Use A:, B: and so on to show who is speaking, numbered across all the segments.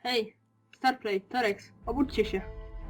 A: Hej, Starplay, Torex, obudźcie się.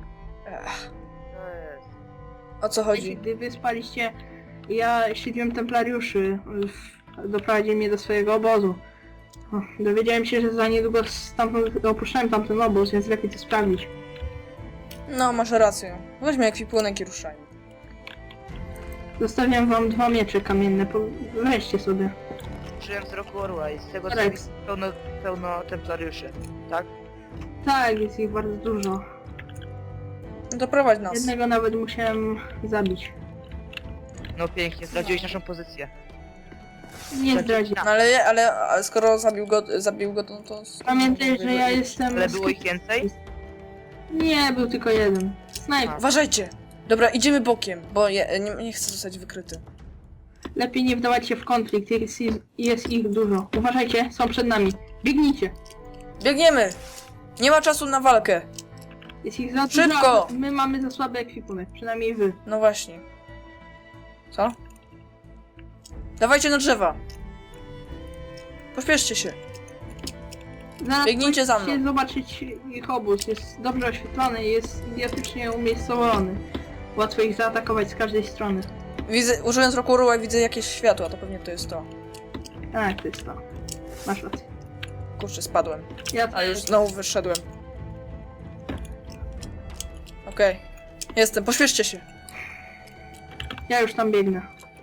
B: To jest.
C: O co chodzi?
A: Gdy wy spaliście, ja śledziłem templariuszy. Doprowadzili mnie do swojego obozu. Dowiedziałem się, że za niedługo stamtąd opuszczałem tamten obóz, więc lepiej to sprawdzić.
C: No, masz rację. Weźmy ekwipunek i ruszajmy.
A: Zostawiam wam 2 miecze kamienne, weźcie sobie.
B: Użyłem wzroku orła i z tego co
A: Rex.
B: jest pełno templariuszy, tak?
A: Tak, jest ich bardzo dużo.
C: Doprowadź nas.
A: Jednego nawet musiałem zabić.
B: No pięknie, zdradziłeś naszą pozycję.
A: Nie zdradzi.
C: No ale skoro zabił go, to...
A: Pamiętaj, że ja jestem...
B: Ale było ich więcej?
A: Nie, był tylko jeden. Snajper.
C: Uważajcie! Dobra, idziemy bokiem, bo nie chcę zostać wykryty.
A: Lepiej nie wdawać się w konflikt, jest ich dużo. Uważajcie, są przed nami. Biegnijcie.
C: Biegniemy! Nie ma czasu na walkę.
A: Jest ich za dużo.
C: Szybko!
A: a My mamy za słaby ekwipunek, przynajmniej wy.
C: No właśnie. Co? Dawajcie na drzewa. Pośpieszcie się.
A: Zaraz
C: Biegnijcie za
A: możecie
C: mną.
A: zobaczyć ich obóz. Jest dobrze oświetlony, jest idiotycznie umiejscowiony. Łatwo ich zaatakować z każdej strony.
C: Widzę, użyłem wzroku orła i widzę jakieś światła, to pewnie to jest to.
A: Tak, to jest to. Masz rację.
C: Kurczę, spadłem.
A: Ja
C: A już znowu wyszedłem. Okej. Jestem, pośpieszcie się.
A: Ja już tam biegnę.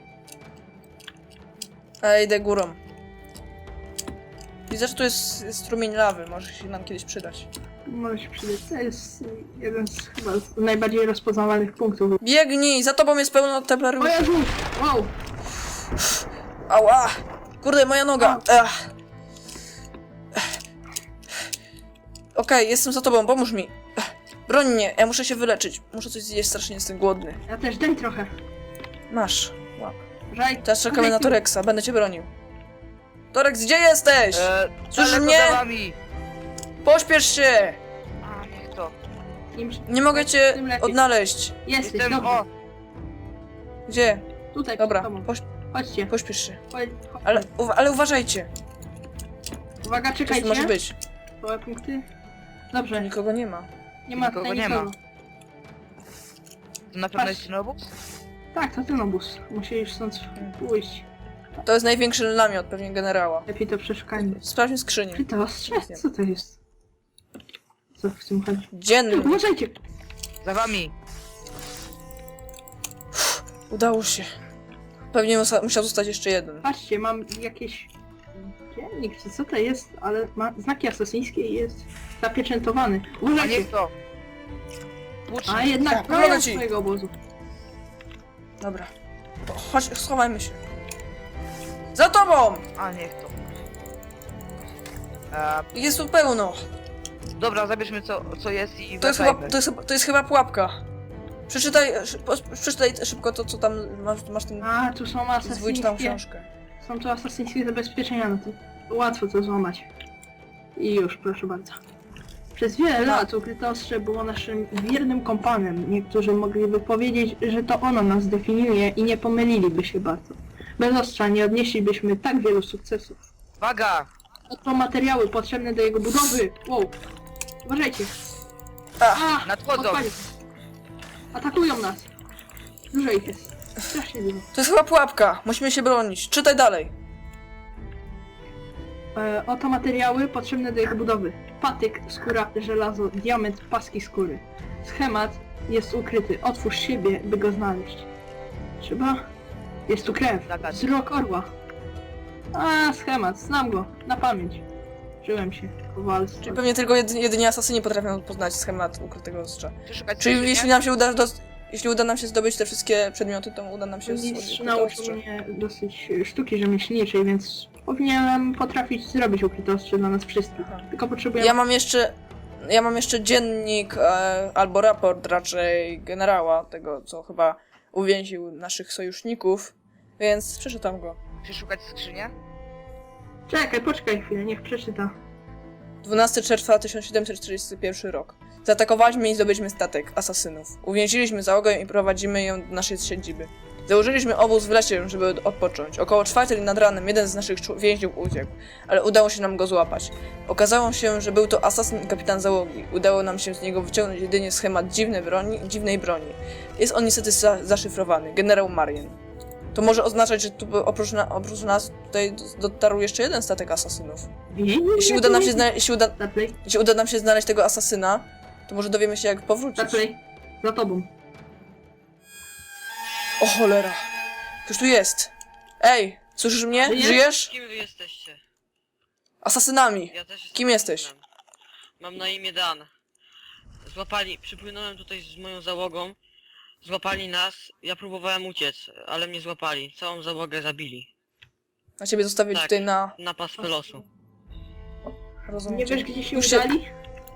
C: A idę górą. Widzę, że tu jest strumień lawy, może się nam kiedyś przydać.
A: Może się przydać. To jest jeden z chyba z najbardziej rozpoznawalnych punktów.
C: Biegnij! Za tobą jest pełno
A: O
C: templariuszy.
A: Jezu! Wow!
C: Ała! Kurde, moja noga! Okej, jestem za tobą, pomóż mi. Broń mnie, ja muszę się wyleczyć. Muszę coś zjeść, strasznie jestem głodny.
A: Ja też, daj trochę.
C: Masz. Łap.
A: Żaj.
C: Teraz czekamy na Torexa, będę cię bronił. Torex, gdzie jesteś? Słyszysz
B: daleko
C: mnie?
B: za wami!
C: Pośpiesz się!
B: A, niech to.
C: Nie mogę cię
A: Tym lepiej.
C: odnaleźć.
A: Jesteś,
B: Jestem,
A: dobrze.
B: o!
C: Gdzie?
A: Tutaj,
C: Dobra,
A: przed tobą.
C: pośpiesz
A: Chodźcie.
C: się.
A: Chodź.
C: Ale uważajcie.
A: Uwaga,
C: Coś tu
A: czekajcie.
C: może być.
A: Małe punkty. Dobrze,
C: Nikogo nie ma.
A: nie ma
B: Nikogo
A: tutaj
B: nie ma.
A: nikogo.
B: To na pewno jest ten obóz?
A: Tak, to ten obóz. Musisz stąd pójść.
C: To jest największy namiot, pewnie generała.
A: Lepiej to przeszukajmy.
C: Sprawdźmy skrzynię.
A: Czy to ostrze? Co to jest? Co w tym chodzi?
C: Dzienny.
A: Uważajcie!
B: Za wami!
C: Udało się. Pewnie musiał zostać jeszcze jeden.
A: Patrzcie, mam jakieś... Dziennik, czy co to jest? Ale ma znaki asesyńskie i jest zapieczętowany.
B: A
A: Uważajcie!
B: niech to! Łucznik.
A: A jednak
C: Tak,
A: to
C: pomogę
A: jest
C: ci.
A: swojego obozu.
C: Dobra. Chodź, schowajmy się. Za tobą!
B: A, niech to.
C: Jest tu pełno.
B: Dobra, zabierzmy co jest i
C: To jest chyba,
B: wracajmy.
C: to jest chyba pułapka. Przeczytaj szybko to, co tam masz ten
A: A, tu są
C: zwójczną
A: asesyńskie...
C: książkę.
A: Są tu asesyńskie zabezpieczenia, no to łatwo to złamać. I już, proszę bardzo. Przez wiele lat ukryte ostrze było naszym wiernym kompanem. Niektórzy mogliby powiedzieć, że to ono nas definiuje i nie pomyliliby się bardzo. Bez ostrza nie odnieślibyśmy tak wielu sukcesów.
B: Waga!
A: Oto materiały potrzebne do jego budowy. Wow. Uważajcie. A,
B: Nadchodzą!
A: odpalił. Atakują nas. Dużo ich jest. Strasznie dużo.
C: To jest chyba pułapka. Musimy się bronić. Czytaj dalej.
A: Oto materiały potrzebne do jego budowy. Patyk, skóra, żelazo, diament, paski skóry. Schemat jest ukryty. Otwórz siebie, by go znaleźć. Trzeba? Jest tu krew. Wzrok orła. A, schemat. Znam go. Na pamięć. Żyłem się. Kowalstwo.
C: Czyli pewnie tylko jedynie asasyni potrafią poznać schemat ukrytego ostrza.
B: Przeszukać
C: Czyli
B: skrzynię?
C: jeśli uda nam się zdobyć te wszystkie przedmioty, to uda nam się
A: Mistrz
C: ukryte
A: nauczył
C: ostrze.
A: mnie dosyć sztuki rzemieślniczej, więc powinienem potrafić zrobić ukryte ostrze dla nas wszystkich.
C: Aha.
A: Tylko potrzebuję...
C: Ja mam jeszcze dziennik, albo raport raczej generała, tego co chyba uwięził naszych sojuszników, więc przeczytam go.
B: Przeszukać skrzynię?
A: Czekaj, poczekaj chwilę, niech przeczyta.
C: 12 czerwca 1741 rok. Zaatakowaliśmy i zdobyliśmy statek asasynów. Uwięziliśmy załogę i prowadzimy ją do naszej siedziby. Założyliśmy obóz w lesie, żeby odpocząć. Około 4 nad ranem jeden z naszych więźniów uciekł, ale udało się nam go złapać. Okazało się, że był to asasyn i kapitan załogi. Udało nam się z niego wyciągnąć jedynie schemat dziwnej broni. Jest on niestety zaszyfrowany. Generał Marien. To może oznaczać, że tu oprócz nas tutaj dotarł jeszcze jeden statek asasynów. Jeśli uda nam się jeśli uda nam się znaleźć tego asasyna, to może dowiemy się, jak powrócić.
A: Zaplej. Za tobą.
C: O cholera! Ktoś tu jest! Ej! Słyszysz mnie?
A: Żyjesz?
C: Żyjesz?
B: Kim wy jesteście?
C: Asasynami!
B: Ja też jestem
C: Kim jesteś?
B: asasynem. Mam na imię Dan. Przypłynąłem tutaj z moją załogą. Złapali nas, ja próbowałem uciec, ale mnie złapali. Całą załogę zabili.
C: A ciebie zostawili
B: Tak.
C: tutaj na...
B: Na pastwę losu.
C: Rozumiem
A: Nie
C: cię.
A: wiesz, gdzie się
C: Już się-
A: udali?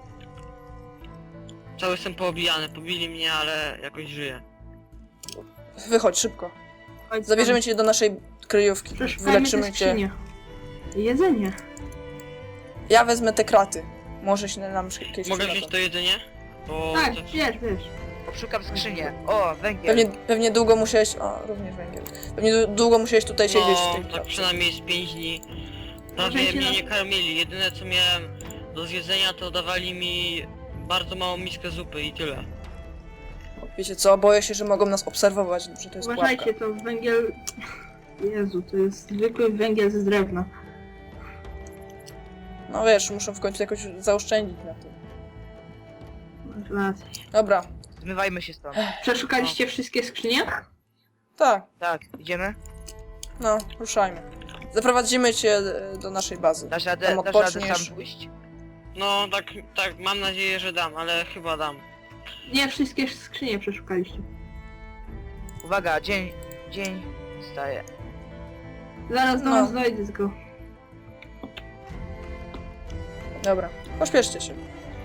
B: Cały jestem poobijany, pobili mnie, ale jakoś żyję.
C: Wychodź, szybko.
A: Chodź
C: Zabierzemy cię do naszej kryjówki.
A: tam. Przeszukajmy te
C: Wyleczymy cię.
A: skrzynie. Jedzenie.
C: Ja wezmę te kraty. Może się nam kiedyś
B: Mogę
C: przydadzą.
B: wziąć to jedzenie? Bo
A: Tak,
B: to-
A: wiesz.
B: Szukam skrzynię. O, węgiel.
C: Pewnie długo musiałeś... O, również węgiel. Pewnie długo musiałeś tutaj siedzieć w tej
B: No, tak
C: klatce.
B: przynajmniej z 5 dni. Prawie
A: Może się
B: mnie
A: na-
B: nie karmili. Jedyne co miałem do zjedzenia to dawali mi bardzo małą miskę zupy i tyle.
C: Wiecie co? Boję się, że mogą nas obserwować, że to jest pułapka.
A: Uważajcie, to węgiel... Jezu, to jest zwykły węgiel z drewna.
C: No wiesz, muszą w końcu jakoś zaoszczędzić na tym.
A: Masz rację.
C: Dobra.
B: Zmywajmy się stąd.
A: Przeszukaliście wszystkie skrzynie?
C: Tak.
B: Tak, idziemy?
C: No, ruszajmy. Zaprowadzimy cię do naszej bazy.
B: Dasz
C: Tam
B: radę
C: odpoczniesz.
B: sam pójść? No, tak, mam nadzieję, że dam, ale chyba dam.
A: Nie, wszystkie skrzynie przeszukaliście.
B: Uwaga, dzień staje.
A: Zaraz do
C: No.
A: nas dojdę tylko.
C: Dobra, pośpieszcie się.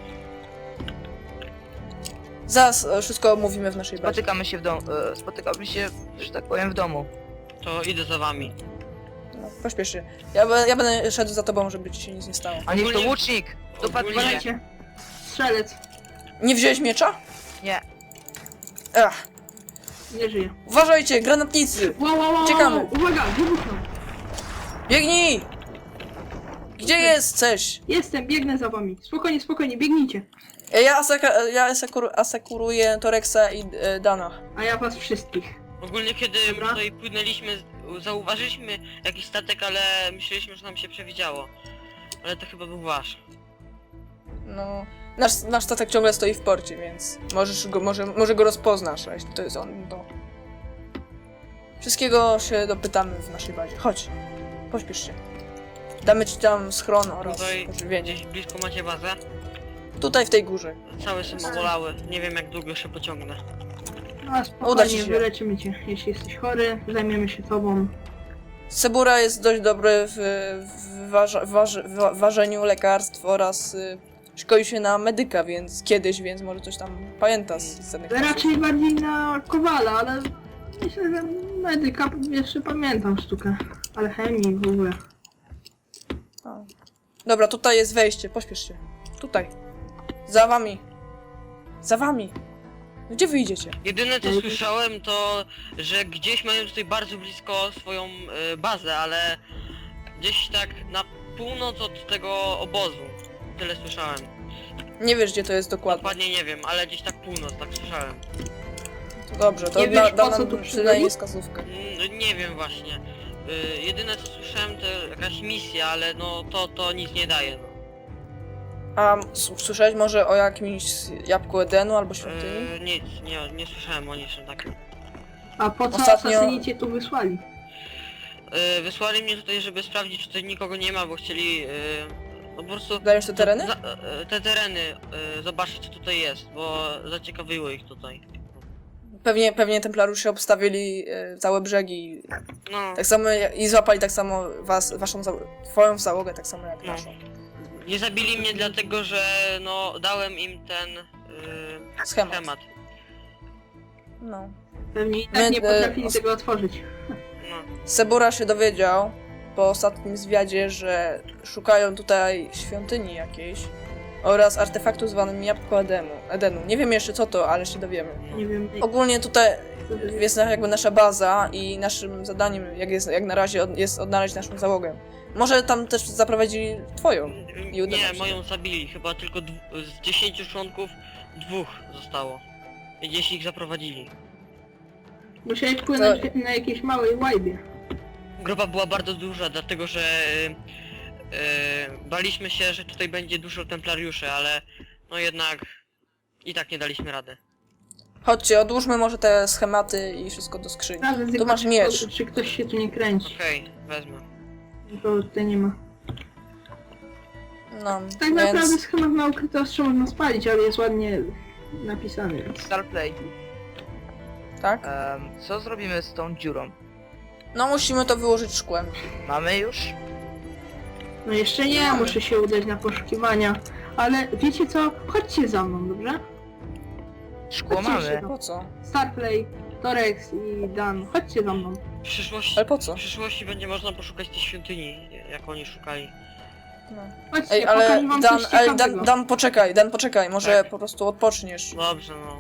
C: Zaraz wszystko omówimy w naszej bazie.
B: Spotykamy się, że tak powiem, w domu. To idę za wami.
C: No, pośpiesz się. Ja będę szedł za tobą, żeby ci się nic nie stało.
B: A niech to
A: Ogólnie-
B: łucznik! Dopadnie mnie!
A: Uważajcie. Strzelec.
C: Nie wziąłeś miecza?
B: Nie.
C: Ach,
A: Nie żyje.
C: uważajcie, granatnicy!
A: Wow.
C: Uciekamy.
A: Uwaga, wybuchnął.
C: Biegnij! Gdzie jesteś?
A: Jestem, biegnę za wami. Spokojnie, biegnijcie.
C: Ja asekuruję Torexa i Dana.
A: A ja was wszystkich.
B: Ogólnie kiedy
A: Dobra.
B: tutaj płynęliśmy, zauważyliśmy jakiś statek, ale myśleliśmy, że nam się przewidziało. Ale to chyba był wasz.
C: No, nasz statek ciągle stoi w porcie, więc może go rozpoznasz, a jeśli to jest on, to... Wszystkiego się dopytamy w naszej bazie. Chodź, pośpiesz się. Damy ci tam schron oraz
B: Tutaj
C: pożywienie.
B: gdzieś blisko macie bazę.
C: Tutaj w tej górze.
B: Całe są obolały. Nie wiem jak długo się pociągnę.
A: No
C: Uda ci
A: spokojnie,
C: się.
A: wyleczymy cię. Jeśli jesteś chory, zajmiemy się tobą.
C: Sebura jest dość dobry w ważeniu lekarstw oraz szkoli się na medyka, więc może coś tam pamięta z danych czasów.
A: Raczej bardziej na kowala, ale myślę, że medyka jeszcze pamiętam sztukę. Ale chemii w ogóle.
C: A. Dobra, tutaj jest wejście, pośpiesz się. Tutaj. Za wami. Za wami. Gdzie wyjdziecie?
B: Jedyne co słyszałem to, że gdzieś mają tutaj bardzo blisko swoją bazę, ale gdzieś tak na północ od tego obozu. Tyle słyszałem.
C: Nie wiesz, gdzie to jest dokładnie.
B: Dokładnie nie wiem, ale gdzieś tak północ, tak słyszałem.
C: To dobrze, to
A: Nie wiesz,
C: da
A: po co
C: nam
A: tu
C: przynajmniej
A: przybyli?
C: wskazówkę.
B: Nie wiem właśnie. Jedyne co słyszałem to jakaś misja, ale no to nic nie daje. No.
C: A słyszałeś może o jakimś jabłku Edenu albo świątyni?
B: Nic, nie słyszałem o niczym takim.
A: A po co
C: Ostatnio-
A: asasyni cię tu wysłali?
B: Wysłali mnie tutaj, żeby sprawdzić, czy tutaj nikogo nie ma, bo chcieli no po prostu
C: Zająć te tereny?
B: te tereny zobaczyć co tutaj jest, bo zaciekawiło ich tutaj.
C: Pewnie templariusze obstawili całe brzegi.
B: No,
C: Tak samo i złapali tak samo twoją załogę, tak samo jak
B: No.
C: naszą.
B: nie zabili mnie dlatego, że no dałem im ten
C: Schemat.
B: schemat.
C: No.
A: Pewnie i
C: My,
A: tak nie potrafili tego otworzyć.
B: No.
C: Sebura się dowiedział po ostatnim zwiadzie, że szukają tutaj świątyni jakiejś. oraz artefaktu zwanym Jabłko Edenu. Nie wiem jeszcze co to, ale się dowiemy.
A: Nie wiem.
C: Ogólnie tutaj jest jakby nasza baza i naszym zadaniem, jak na razie, jest odnaleźć naszą załogę. Może tam też zaprowadzili twoją. I uda nam
B: Nie,
C: się.
B: moją zabili. Chyba tylko z 10 członków 2 zostało. Gdzieś ich zaprowadzili.
A: Musiałeś płynąć na jakiejś małej łajbie.
B: Grupa była bardzo duża, dlatego że baliśmy się, że tutaj będzie dużo templariuszy, ale no jednak i tak nie daliśmy rady.
C: Chodźcie, odłóżmy może te schematy i wszystko do skrzyni.
A: Razem
C: Tu masz miecz.
A: Czy ktoś się tu nie kręci?
B: Okej, wezmę.
A: To tutaj nie ma.
C: No,
A: Tak naprawdę
C: więc...
A: schemat na ukryte ostrze można spalić, ale jest ładnie napisany, więc...
D: Starplay.
C: Tak?
D: Co zrobimy z tą dziurą?
C: No musimy to wyłożyć szkłem.
D: Mamy już?
A: No jeszcze nie, muszę się udać na poszukiwania. Ale wiecie co? Chodźcie za mną, dobrze?
D: Szkło
A: Chodźcie
D: mamy.
A: się.
C: Po co?
A: Starplay, Torex i Dan, chodźcie za mną.
B: W przyszłości,
C: Ale po co?
B: w przyszłości będzie można poszukać tej świątyni, jak oni szukali.
C: No.
A: Chodźcie,
C: Ej, ale
A: pokażę wam
C: Dan,
A: coś ciekawego.
C: Dan, poczekaj, może
B: Tak.
C: po prostu odpoczniesz.
B: Dobrze, no.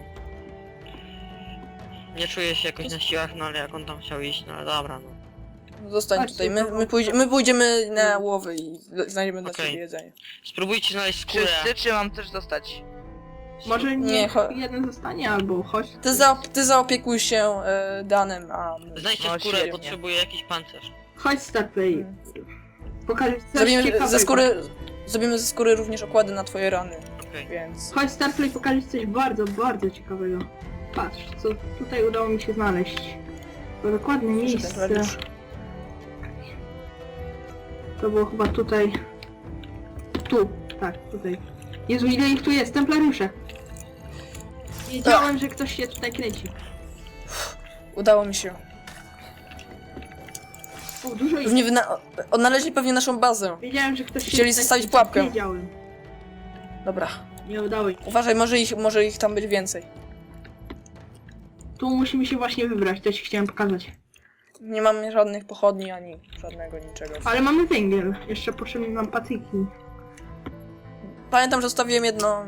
B: Nie czuję się jakoś na siłach, no ale jak on tam chciał iść, no ale dobra, no.
C: Zostań
A: Chodźcie,
C: tutaj,
A: to-
C: my pójdziemy na łowy i znajdziemy dla
B: Okej.
C: ciebie jedzenie.
B: Spróbujcie znaleźć skórę.
D: Wszyscy, czy mam też dostać?
A: Może
C: Nie,
A: niech jeden zostanie, albo chodź.
C: Ty zaopiekuj się Danem, a...
B: Znajdźcie
D: No,
B: skórę,
D: świetnie.
B: potrzebuję jakiś pancerz.
A: Chodź Starplay.
C: Hmm.
A: Pokażę ci coś
C: Zrobimy
A: ciekawego.
C: zrobimy ze skóry również okłady na twoje rany,
B: Okej.
C: więc...
A: Chodź Starplay, pokażę ci coś bardzo, bardzo ciekawego. Patrz, co tutaj udało mi się znaleźć. To dokładne miejsce.
C: templariusz.
A: To było chyba tutaj. Tu, tak, tutaj. Jezu, ile ich tu jest, templariusze! Wiedziałem, że ktoś się tutaj kręci.
C: Udało mi się.
A: O, dużo ich.
C: Pewnie odnaleźli pewnie naszą bazę.
A: Wiedziałem, że ktoś się
C: Chcieli
A: tutaj
C: zostawić
A: kręci.
C: pułapkę.
A: Wiedziałem.
C: Dobra.
A: Nie udało się.
C: Uważaj, może ich tam być więcej.
A: Tu musimy się właśnie wybrać, to ci chciałem pokazać.
C: Nie mamy żadnych pochodni, ani żadnego niczego.
A: Ale mamy węgiel. Jeszcze potrzebne nam patyki.
C: Pamiętam, że zostawiłem jedno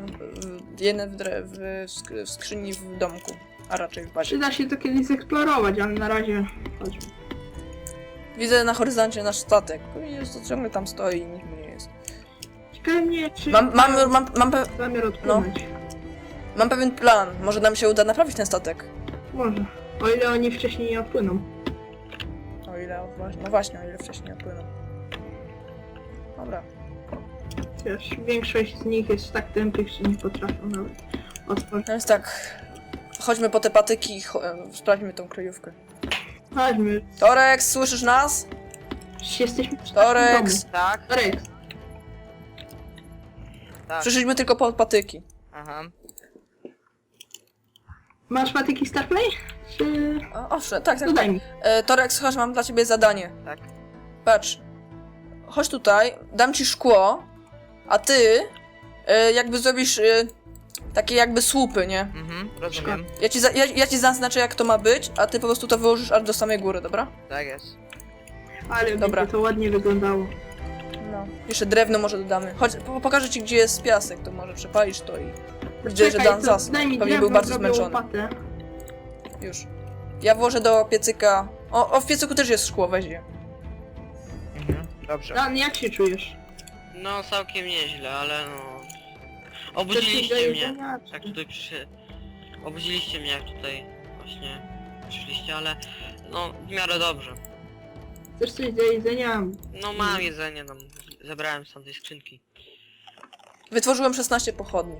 C: w skrzyni w domku, a raczej w bazie.
A: Przyda się to kiedyś zeksplorować, ale na razie chodźmy.
C: Widzę na horyzoncie nasz statek. Pewnie to ciągle tam stoi i nikt mu nie jest.
A: Ciekawe mnie, czy zamiar odpłynąć.
C: Mam pewien plan. Może nam się uda naprawić ten statek.
A: Może. O ile oni wcześniej nie odpłyną.
C: O ile właśnie, o ile wcześniej opłyną. Dobra.
A: Wiesz, większość z nich jest tak tępych, że nie potrafią nawet otworzyć.
C: No więc tak. Chodźmy po te patyki i sprawdźmy tą kryjówkę.
A: Chodźmy.
C: Torex, słyszysz nas?
A: Jesteśmy w
C: Torex!
A: domu.
D: Tak,
A: Torex.
D: tak.
C: Przyszliśmy tylko po patyki.
D: Aha.
A: Masz patyki Starplay? Czy...
C: Owszem, tak.
A: No daj mi.
C: Torex, chodź, mam dla ciebie zadanie.
D: Tak.
C: Patrz. Chodź tutaj, dam ci szkło, a ty jakby zrobisz takie jakby słupy, nie?
D: Rozumiem.
C: Ja ci zaznaczę jak to ma być, a ty po prostu to wyłożysz aż do samej góry, dobra?
D: Tak jest.
A: Ale
C: Dobra.
A: będzie to ładnie wyglądało.
C: No. Jeszcze drewno może dodamy. Chodź, pokażę ci gdzie jest piasek, to może przepalisz to i... Widzę, że
A: Czekaj,
C: Dan
A: to
C: zasnął.
A: daj mi
C: Pewnie
A: drewno,
C: był bardzo
A: zrobię
C: zmęczony.
A: łopatę.
C: Już. Ja włożę do piecyka... O, w piecyku też jest szkło, weź je.
D: Dobrze.
A: Dan, jak się czujesz?
B: No całkiem nieźle, ale no...
A: Chcesz coś do
B: Obudziliście mnie.
A: jedzenia, czy-
B: Jak tutaj obudziliście mnie, jak tutaj właśnie przyszliście, ale no w miarę dobrze.
A: Chcesz coś do jedzenia?
B: No mam jedzenie, no zebrałem z tamtej skrzynki.
C: Wytworzyłem 16 pochodni.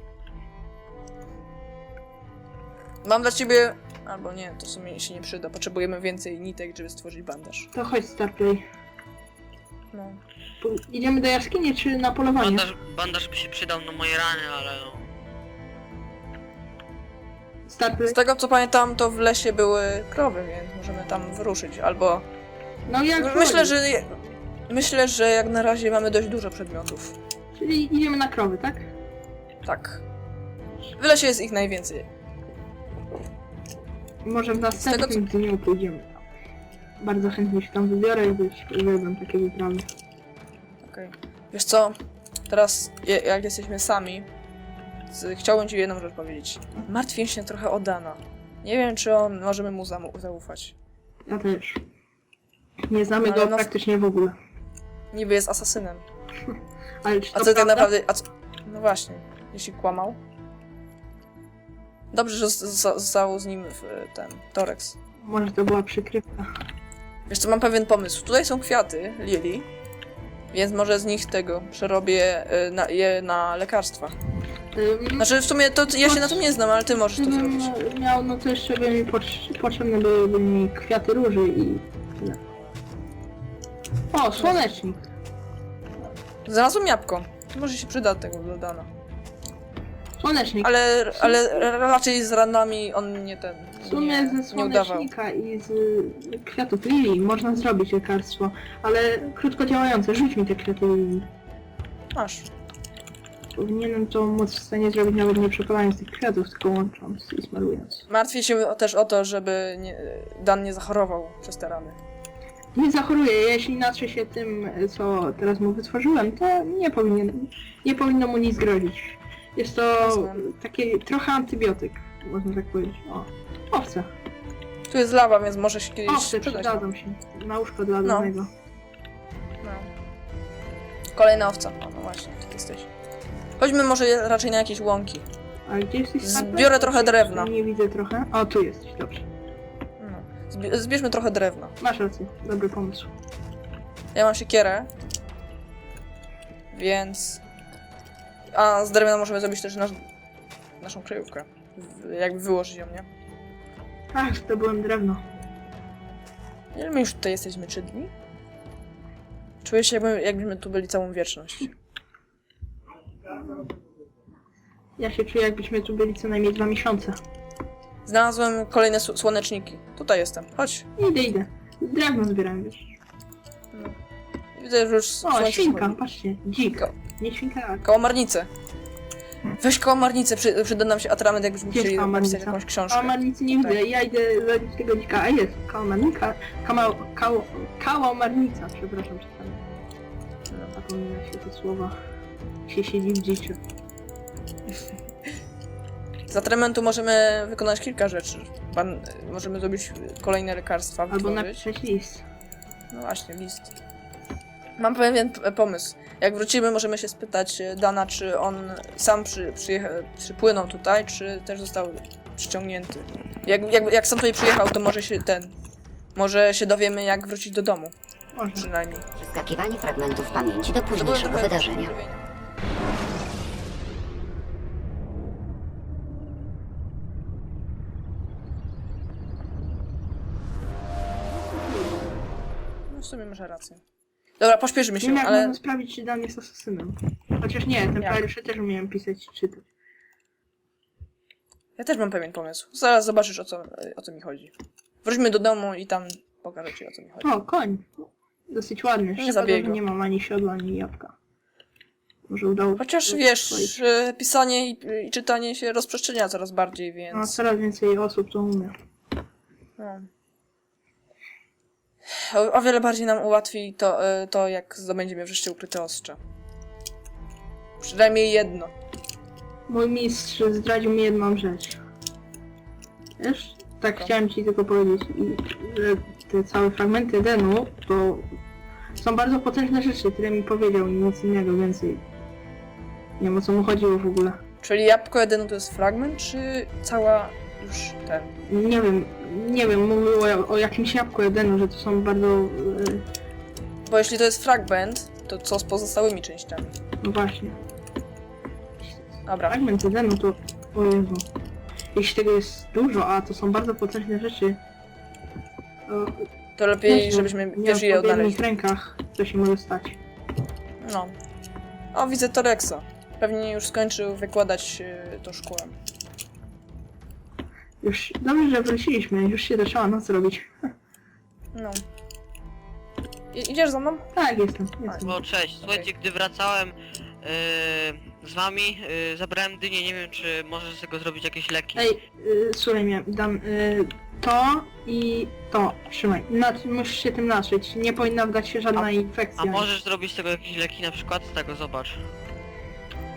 C: Mam dla ciebie... Albo nie, to w sumie się nie przyda. Potrzebujemy więcej nitek, żeby stworzyć bandaż.
A: To chodź Starplay.
C: No.
A: Idziemy do jaskini czy na polowanie?
B: Bandaż by się przydał na moje rany, ale no...
A: Starplay.
C: Z tego co pamiętam, to w lesie były krowy, więc możemy tam wyruszyć. Albo...
A: No jak
C: Myślę, że jak na razie mamy dość dużo przedmiotów.
A: Czyli idziemy na krowy, tak?
C: Tak. W lesie jest ich najwięcej.
A: Może w następnym dniu pójdziemy tam. Bardzo chętnie się tam wybiorę i uwielbiam takie wyprawy.
C: Okej. Wiesz co? Teraz, jak jesteśmy sami, chciałbym ci jedną rzecz powiedzieć. Martwię się trochę o Dana. Nie wiem, czy możemy mu zaufać.
A: Ja też. Nie znamy
C: Ale
A: go
C: no-
A: praktycznie w ogóle.
C: Niby jest asasynem.
A: Ale czy to
C: A co tak
A: prawda?
C: naprawdę... No właśnie, jeśli kłamał. Dobrze, że został z nim ten Torex.
A: Może to była przykrywka.
C: Wiesz co, mam pewien pomysł. Tutaj są kwiaty, lili, więc może z nich tego przerobię je na lekarstwa. Znaczy w sumie to ja się na tym nie znam, ale ty możesz to
A: Gdybym
C: zrobić.
A: miał, no to jeszcze by mi potrzebne byłyby mi kwiaty róży i tyle. O, słonecznik.
C: Znalazłem jabłko. Może się przyda tego do Dana.
A: Słonecznik.
C: Ale raczej z ranami on nie ten.
A: W sumie
C: nie,
A: ze
C: nie udawał.
A: słonecznika i z kwiatów lilii można zrobić lekarstwo, ale krótko działające. Rzuć mi te kwiaty lilii.
C: Masz.
A: Powinienem to móc w stanie zrobić nawet nie przepalając tych kwiatów, tylko łącząc i smarując.
C: Martwię się też o to, żeby Dan nie zachorował przez te rany.
A: Nie zachoruje, jeśli natrze się tym, co teraz mu wytworzyłem, to nie powinno mu nic grozić. Jest to
C: Jasne.
A: taki trochę antybiotyk, można tak powiedzieć. O, owce.
C: Tu jest lawa, więc może się kiedyś
A: Owce
C: przydać.
A: przydadzą się. Na łóżko dla
C: No.
A: danego.
C: No. Kolejna owca. O, no właśnie, ty jesteś. Chodźmy może raczej na jakieś łąki.
A: A gdzie jesteś?
C: Zbiorę trochę drewna.
A: Nie widzę trochę. O, tu jesteś, dobrze.
C: No. Zbierzmy trochę drewna.
A: Masz rację, dobry pomysł.
C: Ja mam siekierę. Więc... A z drewna możemy zrobić też naszą kryjówkę. Jakby wyłożyć ją, nie?
A: Ach, to byłem drewno.
C: Ile my już tutaj jesteśmy? 3 dni? Czuję się jakbyśmy tu byli całą wieczność.
A: Ja się czuję, jakbyśmy tu byli co najmniej 2 miesiące.
C: Znalazłem kolejne słoneczniki. Tutaj jestem. Chodź.
A: Idę. Drewno zbieram, wiesz.
C: Widzę, że już
A: O,
C: słońce
A: świnka,
C: schodzi.
A: patrzcie. Dzik. Nie świnka, a
C: Kałamarnicę. Weź kałamarnicę, przyda nam się atrament, jakbyśmy
A: Gdzie jest
C: chcieli napisać
A: kałamarnica?
C: jakąś książkę.
A: kałamarnicy nie
C: Tak.
A: widzę. Ja idę zabić tego dzika. A jest, kałamarnika. Kałamarnica, przepraszam, czytam. Zapomina się te słowa. Się siedzi w dziciu.
C: Z atramentu możemy wykonać kilka rzeczy. Możemy zrobić kolejne lekarstwa,
A: Albo
C: wytworzyć.
A: napisać list.
C: No właśnie, list. Mam pewien pomysł. Jak wrócimy, możemy się spytać Dana, czy on sam przypłynął tutaj, czy też został przyciągnięty. Jak sam tutaj przyjechał, to może się dowiemy, jak wrócić do domu,
A: Może.
C: przynajmniej.
E: Przeskakiwanie fragmentów pamięci do
C: To było
E: późniejszego
C: trochę
E: wydarzenia.
C: zdziwienia. No w sumie masz rację. Dobra, pośpieszymy
A: Nie
C: się,
A: wiem, jak
C: ale
A: można sprawdzić, czy Dan jest asasynem. Chociaż nie, ten
C: Jak?
A: pierwszy też umiałem pisać i czytać.
C: ja też mam pewien pomysł. Zaraz zobaczysz, o co mi chodzi. Wróćmy do domu i tam pokażę ci, o co mi chodzi.
A: O, koń. Dosyć ładny. Szkoda,
C: zabiegł.
A: że nie mam ani siodła, ani jabłka. Może udało
C: Chociaż
A: się
C: wiesz,
A: swoich-
C: że pisanie i czytanie się rozprzestrzenia coraz bardziej,
A: No,
C: więc...
A: coraz więcej osób to umie.
C: No. O wiele bardziej nam ułatwi to, jak zdobędziemy wreszcie ukryte ostrze. Przynajmniej jedno.
A: Mój mistrz zdradził mi jedną rzecz. Wiesz? Tak
C: Co?
A: chciałem ci tylko powiedzieć, że te całe fragmenty Edenu to są bardzo potężne rzeczy, które mi powiedział i nic innego więcej. Nie wiem, o co mu chodziło w ogóle.
C: Czyli jabłko Edenu to jest fragment, czy cała już ten...
A: Nie wiem, mówił o jakimś jabłku Edenu, że to są bardzo...
C: Bo jeśli to jest fragment, to co z pozostałymi częściami?
A: no właśnie.
C: Dobra.
A: Fragment Edenu to... O Jezu. Jeśli tego jest dużo, a to są bardzo potężne rzeczy,
C: To lepiej,
A: wiesz,
C: żebyśmy
A: nie
C: pierwszy je
A: w odpowiednich
C: odnaleźli.
A: rękach, co się może stać.
C: No. O, widzę Torexa. Pewnie już skończył wykładać to szkołę.
A: Już dobrze, że wróciliśmy, już się zaczęła noc robić.
C: No. Idziesz za mną?
A: Tak, jestem.
B: No cześć, słuchajcie, gdy wracałem z wami, zabrałem dynię, nie wiem czy możesz z tego zrobić jakieś leki.
A: Ej, słuchaj mnie, dam to i to. Trzymaj. Musisz się tym natrzeć. Nie powinna wdać się żadna infekcja.
B: A możesz zrobić z tego jakieś leki na przykład? Z tego, zobacz.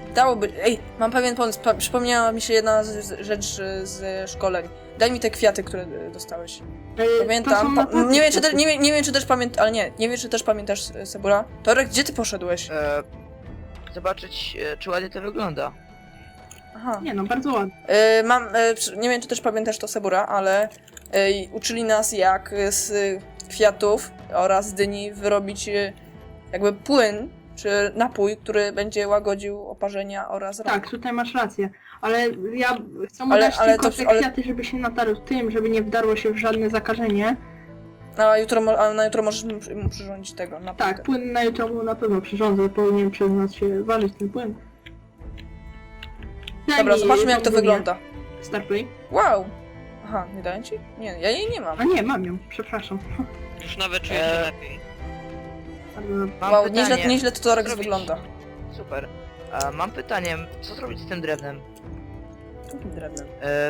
C: Dałoby... Ej, mam pewien pomysł. Przypomniała mi się jedna rzecz z szkoleń. Daj mi te kwiaty, które dostałeś. Pamiętam. Nie wiem, czy też, nie wiem, czy też pamiętasz... Ale nie wiem, czy też pamiętasz, Sebura. Torek, gdzie ty poszedłeś?
D: Zobaczyć, czy ładnie to wygląda.
C: Aha.
A: Nie no, bardzo ładnie.
C: Nie wiem, czy też pamiętasz to, Sebura, ale uczyli nas, jak z kwiatów oraz z dyni wyrobić jakby płyn, czy napój, który będzie łagodził oparzenia oraz raka.
A: Tak, tutaj masz rację. Ale ja chcę mu dać tylko te kwiaty, żeby się natarł tym, żeby nie wdarło się w żadne zakażenie.
C: A na jutro możesz mu przyrządzić tego napój.
A: Tak, płyn na jutro mu na pewno przyrządzę, powinien przez nas się ważyć ten płyn.
C: Dobra, zobaczmy, jak to wygląda.
A: Starplay.
C: Wow! Aha, nie daję ci? Nie, ja jej nie mam.
A: A nie, mam ją, przepraszam.
B: Już nawet czuję się lepiej.
A: Bardzo dobrze.
D: Mam
C: Wow,
D: pytanie.
C: nieźle to Torek
D: Co zrobić?
C: wygląda.
D: Super. Mam pytanie, co zrobić z tym drewnem?
C: Jakim drewnem?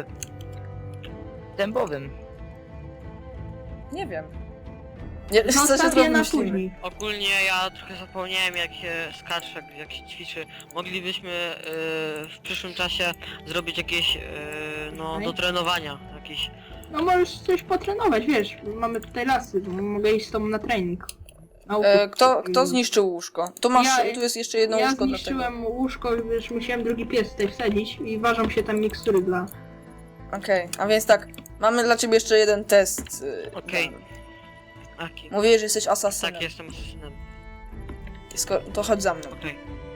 D: Dębowym.
C: Nie wiem. Nie, co się
A: Zostawię
C: zrobi
A: na
C: myślimy?
A: później.
B: Ogólnie ja trochę zapomniałem jak się skacze, jak się ćwiczy. Moglibyśmy w przyszłym czasie zrobić jakieś no
A: Okej.
B: do trenowania jakieś.
A: No możesz coś potrenować, wiesz, mamy tutaj lasy, to mogę iść z tobą na trening.
C: Kto zniszczył łóżko? Tu masz, tu jest jeszcze jedno
A: Ja
C: łóżko
A: zniszczyłem łóżko, wiesz, musiałem drugi pies tutaj wsadzić i ważą się tam mikstury dla...
C: Okej, a więc tak, mamy dla ciebie jeszcze jeden test.
B: Okej.
C: dany.
B: Aki.
C: Mówię, że jesteś asasynem.
B: Tak, jestem asesynem.
C: To chodź za mną.
B: Okej.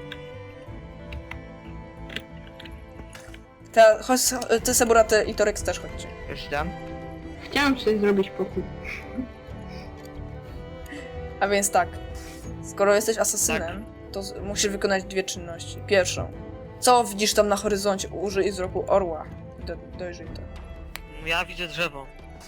C: Chodź, ty, Sebura, ty i Torek też chodźcie.
D: Już tam.
A: Chciałem coś zrobić pokój.
C: A więc tak, skoro jesteś asasynem, to musisz wykonać dwie czynności. Pierwszą, co widzisz tam na horyzoncie? Użyj wzroku orła. Dojrzyj to.
B: Ja widzę drzewo.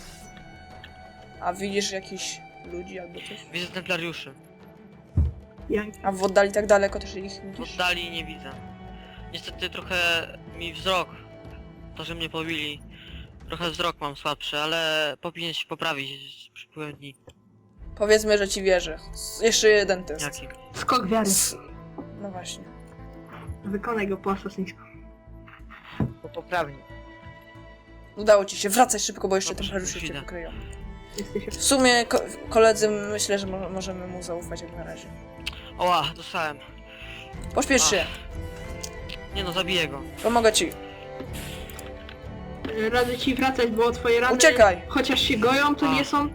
C: A widzisz jakichś ludzi albo coś?
B: Widzę templariuszy.
C: A w oddali tak daleko też ich
B: W
C: widzisz?
B: oddali nie widzę. Niestety trochę mi wzrok, to że mnie pobili, trochę wzrok mam słabszy, ale powinien się poprawić z przypływem dni.
C: Powiedzmy, że ci wierzę. Jeszcze jeden test.
B: Jaki?
A: Skok wiary.
C: No właśnie.
A: Wykonaj go po asasyńsku.
D: Po poprawnie.
C: Udało ci się. Wracaj szybko, bo jeszcze
B: Dobrze,
C: templariusze cię
B: idę.
C: pokryją.
A: Jesteś...
C: W sumie, koledzy, myślę, że możemy mu zaufać jak na razie.
B: Oła, dostałem.
C: Pośpiesz się.
B: Nie no, zabiję go.
C: Pomogę ci.
A: Radzę ci wracać, bo twoje rany...
C: Uciekaj!
A: Chociaż się goją, to nie są...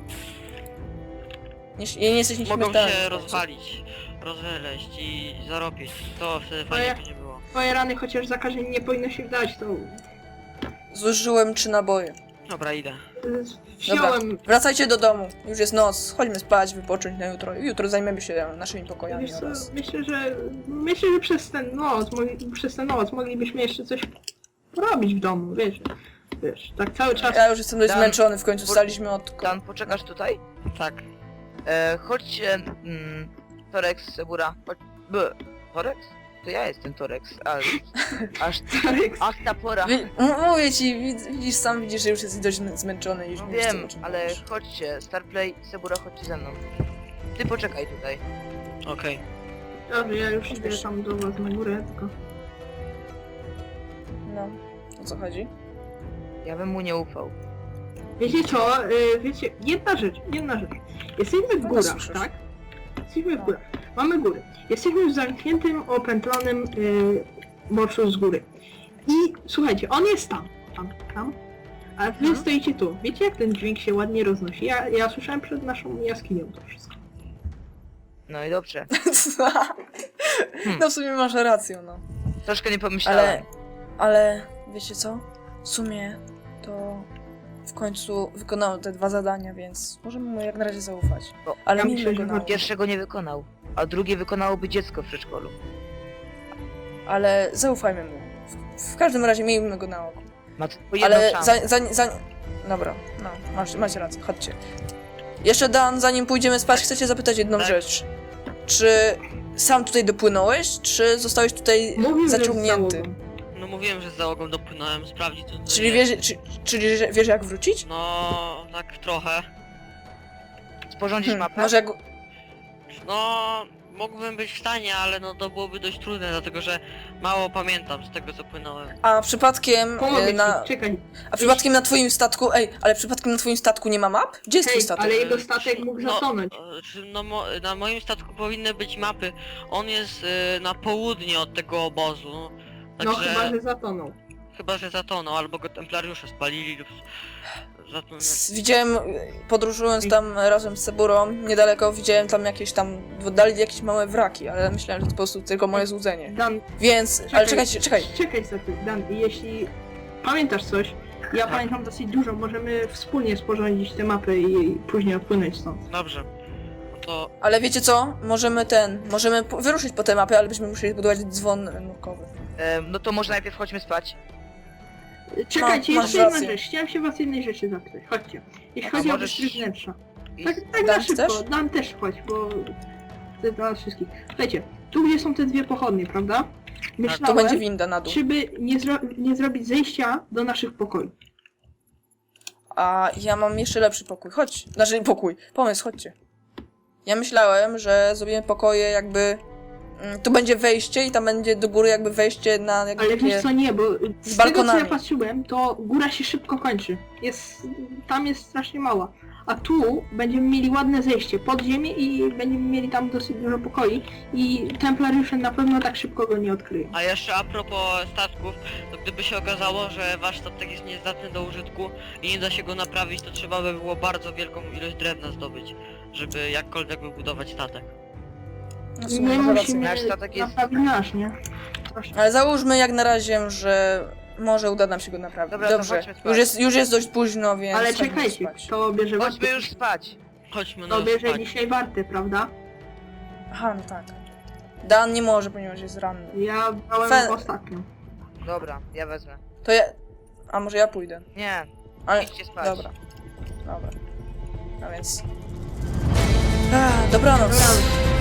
C: Nie jesteś
B: Mogą
C: nieśmiertelny.
B: się rozwalić, rozweleść i zarobić. To wtedy fajnie by nie było.
A: Twoje rany, chociaż zakażenie nie powinno się wdać, to...
C: Zużyłem 3 naboje.
B: Dobra, idę.
A: Wziąłem...
C: Wracajcie do domu. Już jest noc. Chodźmy spać, wypocząć na jutro. Jutro zajmiemy się naszymi pokojami
A: Wiesz co,
C: oraz...
A: myślę, że przez tę noc moglibyśmy jeszcze coś porobić w domu, wiesz, tak cały czas.
C: Ja już jestem dość
D: Dan,
C: zmęczony, w końcu staliśmy od...
D: Dan, poczekasz tutaj?
B: Tak.
D: Chodźcie... Torex, Sebura. Chodź... Torex? To ja jestem Torex, ale... Aż ta pora.
C: Mówię ci, widzisz, sam widzisz, że już jesteś dość zmęczony i już
D: No
C: nie wiesz,
D: wiem,
C: o czym
D: ale
C: mówisz.
D: chodźcie, Starplay, Sebura, chodźcie ze mną. Ty poczekaj tutaj.
B: Okej.
A: Dobrze, ja już idę tam do was na górę, tylko...
C: No, o co chodzi?
D: Ja bym mu nie ufał.
A: Wiecie co, wiecie, jedna rzecz. Jesteśmy w
C: No,
A: górach,
C: słyszysz.
A: tak? Jesteśmy w
C: No.
A: górach. Mamy góry. Jesteśmy w zamkniętym, opętlonym morszu z góry. I słuchajcie, on jest tam. A wy stoicie tu. Wiecie, jak ten dźwięk się ładnie roznosi? Ja słyszałem przed naszą jaskinią to wszystko.
D: No i dobrze.
C: No w sumie masz rację, no.
D: Troszkę nie pomyślałem.
C: Ale wiecie co? W sumie to w końcu wykonał te 2 zadania, więc możemy mu jak na razie zaufać.
D: Bo
C: Ale
A: ja
C: miejmy
A: myślę,
C: go
A: że
C: na uwadze.
D: Pierwszego nie wykonał, a drugie wykonałoby dziecko w przedszkolu.
C: Ale zaufajmy mu. W każdym razie miejmy go na oku.
D: Ma tylko jedną
C: Ale
D: szansę.
C: Dobra, no, macie rację, chodźcie. Jeszcze Dan, zanim pójdziemy spać, chcę cię zapytać jedną
B: Tak.
C: rzecz. Czy sam tutaj dopłynąłeś, czy zostałeś tutaj
A: Mówił, że z
C: zaciągnięty?
A: załogą.
B: No mówiłem, że z załogą dopłynąłem, sprawdzić to.
C: Czyli czyli że wiesz jak wrócić?
B: No, tak trochę.
D: Sporządzić mapę?
C: Może jak...
B: No, mógłbym być w stanie, ale no to byłoby dość trudne, dlatego że mało pamiętam z tego co płynąłem.
C: A przypadkiem
A: Pomogę
C: na...
A: ci, czekaj.
C: A przypadkiem na twoim statku... ale przypadkiem na twoim statku nie ma map? Gdzie jest twój
A: Hej,
C: statek?
A: ale jego statek mógł
B: No,
A: zatonąć.
B: na moim statku powinny być mapy. On jest na południe od tego obozu.
A: No
B: Także
A: chyba, że zatonął.
B: chyba, że zatonął, albo go templariusze spalili lub zatonął.
C: Widziałem, podróżując tam razem z Ceburą, niedaleko widziałem tam jakieś tam, w oddali jakieś małe wraki, ale myślałem, że to po prostu tylko moje złudzenie.
A: Dan,
C: Więc, ale czekaj.
A: Czekaj sekund, Dan, jeśli pamiętasz coś, ja pamiętam dosyć dużo, możemy wspólnie sporządzić te mapy i później odpłynąć stąd.
B: Dobrze. No to
C: Ale wiecie co? Możemy wyruszyć po te mapy, ale byśmy musieli zbudować dzwon nurkowy.
D: No to może najpierw chodźmy spać.
A: Czekajcie,
C: masz
A: jeszcze jedna
C: rację.
A: rzecz, chciałem się was jednej rzeczy zapytać, chodźcie. Jeśli
D: A
A: chodzi o
D: możesz-
A: wystrój wnętrza.
D: I...
A: Tak
C: Dan,
A: na szybko,
C: chcesz?
A: Dan też chodź, bo to jest dla nas wszystkich. Słuchajcie, tu gdzie są te dwie pochodnie, prawda?
C: Tu
A: Myślałem,
C: będzie winda na dół.
A: czy by nie zrobić zejścia do naszych pokoi.
C: A ja mam jeszcze lepszy pokój. Chodź. Znaczy pomysł, chodźcie. Ja myślałem, że zrobimy pokoje jakby... Tu będzie wejście i tam będzie do góry jakby wejście na jakby
A: Ale
C: takie...
A: wiesz co, nie, bo z tego co
C: balkonami.
A: ja patrzyłem, to góra się szybko kończy. Tam jest strasznie mała. A tu będziemy mieli ładne zejście pod ziemię i będziemy mieli tam dosyć dużo pokoi i templariusze na pewno tak szybko go nie odkryją.
B: a jeszcze a propos statków, to gdyby się okazało, że wasz statek jest niezdatny do użytku i nie da się go naprawić, to trzeba by było bardzo wielką ilość drewna zdobyć, żeby jakkolwiek wybudować statek.
C: No w sumie
A: My
C: masz rację.
A: musimy
D: Nasz statek jest-
A: naprawić nasz, nie? Proszę.
C: Ale załóżmy jak na razie, że może uda nam się go naprawić.
D: Dobra, to
C: Dobrze.
D: chodźmy spać.
C: Już jest dość późno, więc...
A: Ale
C: chodźmy
A: czekajcie,
C: spać.
A: to bierze
D: Chodźmy już spać.
B: Chodźmy
A: To
B: na
A: bierze
B: spać.
A: dzisiaj warty, prawda?
C: Aha, no tak. Dan nie może, ponieważ jest ranny.
A: Ja brałem
C: Fe-
A: ostatnio.
D: Dobra, ja wezmę.
C: To ja... A może ja pójdę?
D: Nie,
C: Ale...
D: idźcie spać.
C: Dobra. No więc... Dobranoc.
A: Dobranoc.